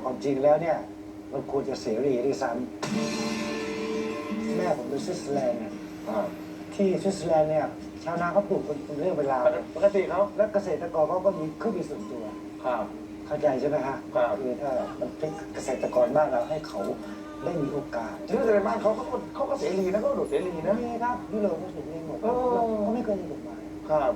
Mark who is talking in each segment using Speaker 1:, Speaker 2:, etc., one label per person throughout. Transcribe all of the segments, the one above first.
Speaker 1: ความจริงแล้วเนี่ยมันควรจะเสรีด้วยซ้ำแม่ผมเป็นสวิตเซอร์แลนด์ที่สวิตเซอร์แลนด์เนี่ยชาวนาเขาปลูกเป็นเรื่องเวลา
Speaker 2: ปกติเขา
Speaker 1: และเกษตรกรเขาก็มีเครื่องบินส่วนตัว
Speaker 2: ครับ
Speaker 1: เข้าใจใช่ไหมฮะ
Speaker 2: ครับ
Speaker 1: คือถ้ามันเป็นเกษตรกรบ้านเราให้เขาได้มีโอกาส
Speaker 2: ชื่อในบ้านเขาก็เสรีนะเขาโดดเสรีนะ
Speaker 1: นี่ครับยุโรปเขาถูกเองหมดเขาไม่เคยมีกฎหมาย
Speaker 2: ครับ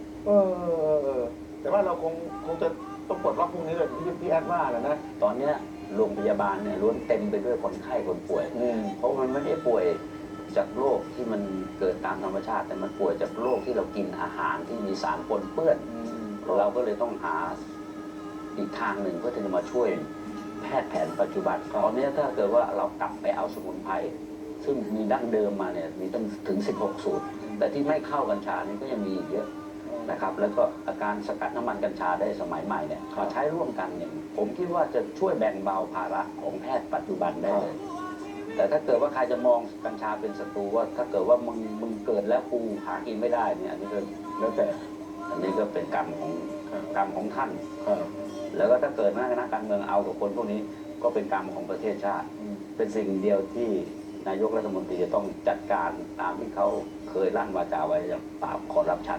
Speaker 2: แต่ว่าเราคงจะต้องปลดล็อกพวกนี้เลยที่พี่แอดว่าแหละนะ
Speaker 3: ตอนเนี้ยโรงพยาบาลเนี่ยล้วนเต็มไปด้วยคนไข้คนป่วย เพราะมันไม่ได้ป่วยจากโรคที่มันเกิดตามธรรมชาติ แต่มันป่วยจากโรคที่เรากินอาหารที่มีสารปนเปื้อน เราก็เลยต้องหาอีกทางหนึ่งเพื่อที่จะมาช่วยแพทย์แผนปัจจุบันตอนนี้ถ้าเกิดว่าเรากลับไปเอาสมุนไพรซึ่งมีดั้งเดิมมาเนี่ยมีตั้งถึง 16 สูตร แต่ที่ไม่เข้ากัญชานี่ก็ยังมีอีกเยอะนะครับ แล้วก็อาการสกัดน้ำมันกัญชาได้สมัยใหม่เนี่ยมาใช้ร่วมกันเนี่ยผมคิดว่าจะช่วยแบ่งเบาภาระของแพทย์ปัจจุบันได้เลย แต่ถ้าเกิดว่าใครจะมองกัญชาเป็นศัตรูว่าถ้าเกิดว่ามึงเกิดแล้วกูหากินไม่ได้เนี่ยอันนี้ก็แล้วแต่อันนี้ก็เป็นกรรมของท่าน แล้วก็ถ้าเกิดนักการเมืองเอากับคนพวกนี้ก็เป็นกรรมของประเทศชาติ เป็นสิ่งเดียวที่นายกรัฐมนตรีจะต้องจัดการตามที่เขาเคยลั่นวาจาไว้อย่างปราบคอร์รัปชัน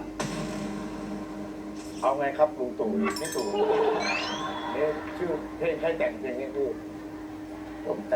Speaker 2: เอาไงครับลุงตู่พี่ตู่นี่ชื่อเพลงใครแต่งเพลงนี้พี่
Speaker 3: ผม